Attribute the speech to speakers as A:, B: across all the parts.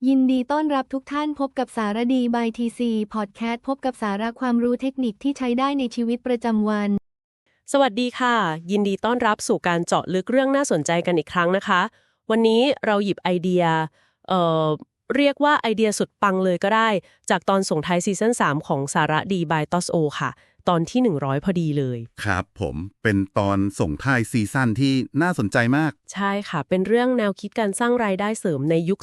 A: ยินดีต้อนรับทุกท่านพบกับสารดี by TC Podcast พบกับสาระความรู้เทคนิคที่ใช้ได้ในชีวิตประจำวัน
B: สวัสดีค่ะยินดีต้อนรับสู่การเจาะลึกเรื่องน่าสนใจกันอีกครั้งนะคะวันนี้เราหยิบไอเดียเอ่อเรียกว่าไอเดียสุดปังเลยก็ได้จากตอนส่งท้ายซีซั่น3ของสาระดี by TOSO ค่ะตอนที่100พอดีเลย
C: ครับผมเป็นตอนส่งท้ายซีซั่นที่น่าสนใจมาก
B: ใช่ค่ะเป็นเรื่องแนวคิดการสร้างรายได้เสริมในยุค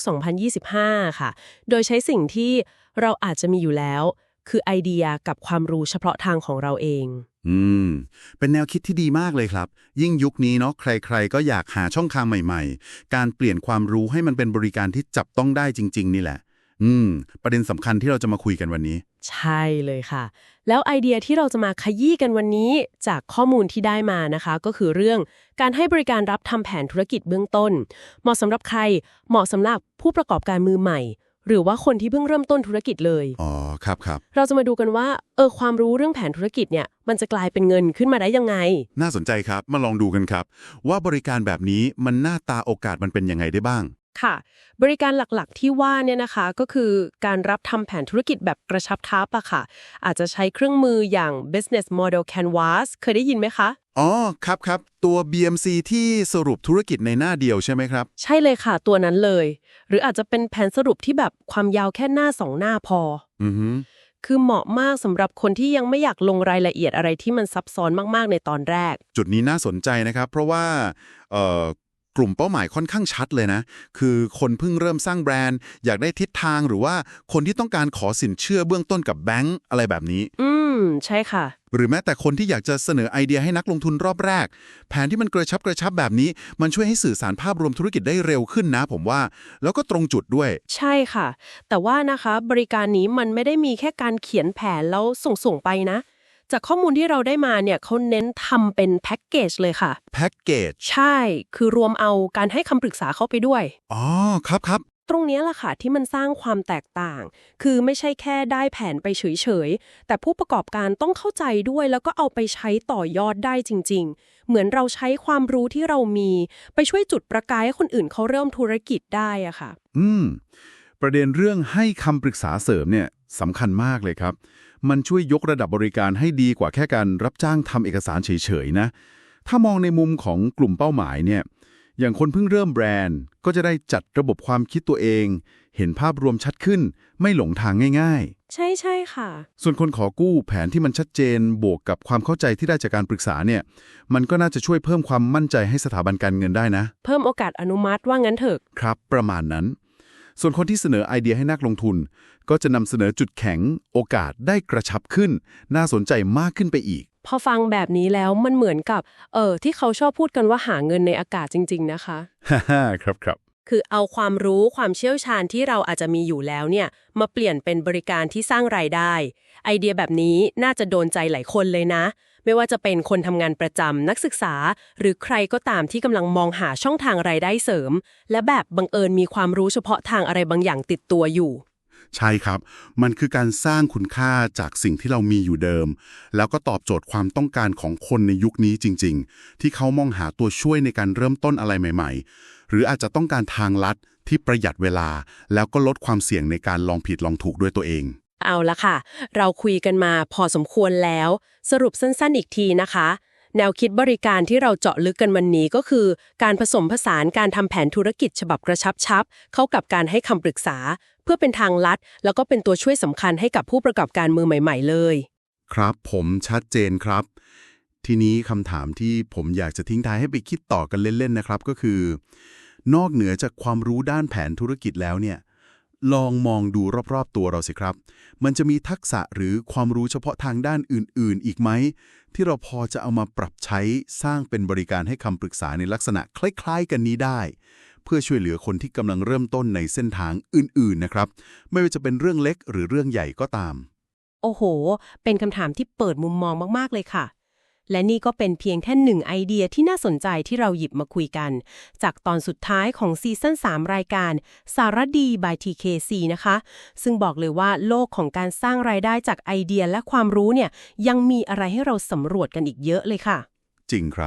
B: 2025ค่ะโดยใช้สิ่งที่เราอาจจะมีอยู่แล้วคือไอเดียกับความรู้เฉพาะทางของเราเอง
C: อืมเป็นแนวคิดที่ดีมากเลยครับยิ่งยุคนี้เนาะใครๆก็อยากหาช่องทางใหม่ๆการเปลี่ยนความรู้ให้มันเป็นบริการที่จับต้องได้จริงๆนี่แหละประเด็นสำคัญที่เราจะมาคุยกันวันนี้
B: ใช่เลยค่ะแล้วไอเดียที่เราจะมาขยี้กันวันนี้จากข้อมูลที่ได้มานะคะก็คือเรื่องการให้บริการรับทำแผนธุรกิจเบื้องต้นเหมาะสำหรับใครเหมาะสำหรับผู้ประกอบการมือใหม่หรือว่าคนที่เพิ่งเริ่มต้นธุรกิจเลย
C: อ๋อครับ
B: เราจะมาดูกันว่าความรู้เรื่องแผนธุรกิจเนี่ยมันจะกลายเป็นเงินขึ้นมาได้ยังไง
C: น่าสนใจครับมาลองดูกันครับว่าบริการแบบนี้มันหน้าตาโอกาสมันเป็นยังไงได้บ้าง
B: ค่ะบริการหลักๆที่ว่าเนี่ยนะคะก็คือการรับทำแผนธุรกิจแบบกระชับทับอะค่ะอาจจะใช้เครื่องมืออย่าง Business Model Canvas เคยได้ยินไหมคะ
C: อ๋อครับตัว BMC ที่สรุปธุรกิจในหน้าเดียวใช่ไหมครับ
B: ใช่เลยค่ะตัวนั้นเลยหรืออาจจะเป็นแผนสรุปที่แบบความยาวแค่หน้า2หน้าพอคือเหมาะมากสำหรับคนที่ยังไม่อยากลงรายละเอียดอะไรที่มันซับซ้อนมากๆในตอนแรก
C: จุดนี้น่าสนใจนะครับเพราะว่ากลุ่มเป้าหมายค่อนข้างชัดเลยนะคือคนเพิ่งเริ่มสร้างแบรนด์อยากได้ทิศทางหรือว่าคนที่ต้องการขอสินเชื่อเบื้องต้นกับแบงก์อะไรแบบนี้
B: ใช่ค่ะ
C: หรือแม้แต่คนที่อยากจะเสนอไอเดียให้นักลงทุนรอบแรกแผนที่มันกระชับแบบนี้มันช่วยให้สื่อสารภาพรวมธุรกิจได้เร็วขึ้นนะผมว่าแล้วก็ตรงจุดด้วย
B: ใช่ค่ะแต่ว่านะคะบริการนี้มันไม่ได้มีแค่การเขียนแผนแล้วส่งไปนะจากข้อมูลที่เราได้มาเนี่ยเขาเน้นทำเป็นแพ็กเกจเลยค่ะ
C: แพ็กเกจ
B: ใช่คือรวมเอาการให้คำปรึกษาเข้าไปด้วย
C: อ๋อครับ
B: ตรงนี้แหละค่ะที่มันสร้างความแตกต่างคือไม่ใช่แค่ได้แผนไปเฉยๆแต่ผู้ประกอบการต้องเข้าใจด้วยแล้วก็เอาไปใช้ต่อยอดได้จริงๆเหมือนเราใช้ความรู้ที่เรามีไปช่วยจุดประกายให้คนอื่นเขาเริ่มธุรกิจได้อะค่ะ
C: ประเด็นเรื่องให้คำปรึกษาเสริมเนี่ยสำคัญมากเลยครับมันช่วยยกระดับบริการให้ดีกว่าแค่การรับจ้างทำเอกสารเฉยๆนะถ้ามองในมุมของกลุ่มเป้าหมายเนี่ยอย่างคนเพิ่งเริ่มแบรนด์ก็จะได้จัดระบบความคิดตัวเองเห็นภาพรวมชัดขึ้นไม่หลงทางง่าย
B: ๆใช่ค่ะ
C: ส่วนคนขอกู้แผนที่มันชัดเจนบวกกับความเข้าใจที่ได้จากการปรึกษาเนี่ยมันก็น่าจะช่วยเพิ่มความมั่นใจให้สถาบันการเงินได้นะ
B: เพิ่มโอกาสอนุมัติว่างั้นเถอะ
C: ครับประมาณนั้นส่วนคนที่เสนอไอเดียให้นักลงทุนก็จะนำเสนอจุดแข็งโอกาสได้กระชับขึ้นน่าสนใจมากขึ้นไปอีก
B: พอฟังแบบนี้แล้วมันเหมือนกับที่เขาชอบพูดกันว่าหาเงินในอากาศจริงๆนะคะ
C: ฮ่าครับ
B: คือเอาความรู้ความเชี่ยวชาญที่เราอาจจะมีอยู่แล้วเนี่ยมาเปลี่ยนเป็นบริการที่สร้างรายได้ไอเดียแบบนี้น่าจะโดนใจหลายคนเลยนะไม่ว่าจะเป็นคนทำงานประจำนักศึกษาหรือใครก็ตามที่กำลังมองหาช่องทางรายได้เสริมและแบบบังเอิญมีความรู้เฉพาะทางอะไรบางอย่างติดตัวอยู่
C: ใช่ครับมันคือการสร้างคุณค่าจากสิ่งที่เรามีอยู่เดิมแล้วก็ตอบโจทย์ความต้องการของคนในยุคนี้จริงๆที่เขามองหาตัวช่วยในการเริ่มต้นอะไรใหม่ๆหรืออาจจะต้องการทางลัดที่ประหยัดเวลาแล้วก็ลดความเสี่ยงในการลองผิดลองถูกด้วยตัวเอง
B: เอาละค่ะเราคุยกันมาพอสมควรแล้วสรุปสั้นๆอีกทีนะคะแนวคิดบริการที่เราเจาะลึกกันวันนี้ก็คือการผสมผสานการทำแผนธุรกิจฉบับกระชับเข้ากับการให้คำปรึกษาเพื่อเป็นทางลัดแล้วก็เป็นตัวช่วยสำคัญให้กับผู้ประกอบการมือใหม่ๆเลย
C: ครับผมชัดเจนครับทีนี้คำถามที่ผมอยากจะทิ้งท้ายให้ไปคิดต่อกันเล่นๆนะครับก็คือนอกเหนือจากความรู้ด้านแผนธุรกิจแล้วเนี่ยลองมองดูรอบๆตัวเราสิครับมันจะมีทักษะหรือความรู้เฉพาะทางด้านอื่นๆอีกไหมที่เราพอจะเอามาปรับใช้สร้างเป็นบริการให้คำปรึกษาในลักษณะคล้ายๆกันนี้ได้เพื่อช่วยเหลือคนที่กำลังเริ่มต้นในเส้นทางอื่นๆนะครับไม่ว่าจะเป็นเรื่องเล็กหรือเรื่องใหญ่ก็ตาม
B: โอ้โหเป็นคำถามที่เปิดมุมมองมากๆเลยค่ะและนี่ก็เป็นเพียงแค่1ไอเดียที่น่าสนใจที่เราหยิบมาคุยกันจากตอนสุดท้ายของซีซั่น3รายการสารดี by TKC นะคะซึ่งบอกเลยว่าโลกของการสร้างรายได้จากไอเดียและความรู้เนี่ยยังมีอะไรให้เราสำรวจกันอีกเยอะเลยค่ะ
C: จริงครับ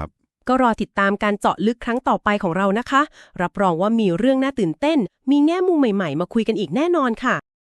B: ก็รอติดตามการเจาะลึกครั้งต่อไปของเรานะคะรับรองว่ามีเรื่องน่าตื่นเต้นมีแง่มุมใหม่ๆมาคุยกันอีกแน่นอนค่ะ